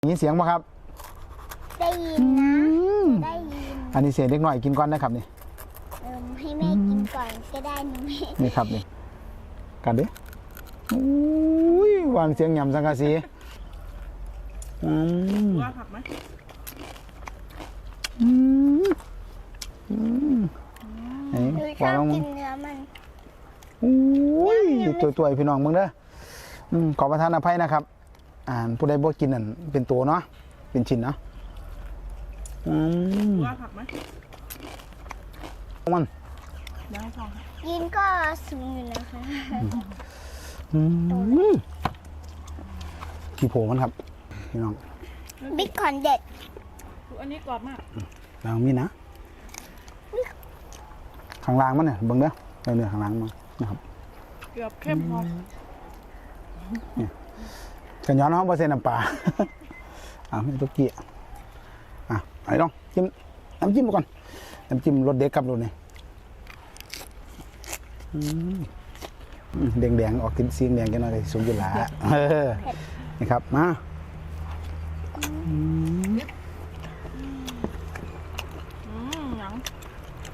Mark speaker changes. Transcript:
Speaker 1: มีเสียงป่ะครับ
Speaker 2: ได้ยินนะได้ยิน
Speaker 1: อันนี้เสียงเล็กน้อยกินก่อนนะครับนี่
Speaker 2: ให้แม่กินก่อนก็ได้หนู
Speaker 1: นี่ครับนี่กันดิอุ้ยวางเสียงหย่ำสังกะสี
Speaker 3: ว่าผักไหม
Speaker 2: ชอบกินเนื้อมัน
Speaker 1: อุ้ยตัวพี่น้องมึงเด้อขอประทานอภัยนะครับผู้ใดบ่กินนั่นเป็นตัวเนาะเป็นชิ้นเนาะ
Speaker 3: ว่าผักไหม
Speaker 1: มัน
Speaker 3: ได้ค่ะ
Speaker 2: กินก็สูงอยู่นะคะ
Speaker 1: ขี้โผมันครับพี่น้อง
Speaker 2: บิ๊กคอนเด็ด
Speaker 3: อันนี้กรอบมาก
Speaker 1: ลางมีนะข้างล่างมันเนี่ยเบิ่งเด้อเนื้อข้างล่างมันนะครับ
Speaker 3: เกือบเข้มพอ
Speaker 1: กันย้อนห้องเปอร์เซ็นต์น้ำปลาไม่ตุกกี้ไอ้น้องจิ้มน้ำจิ้มก่อนน้ำจิ้มรสเด็กกับรสนี่แดงๆออกกินซีนแดงกันหน่อยสูงอยู่ละนี่ครับมา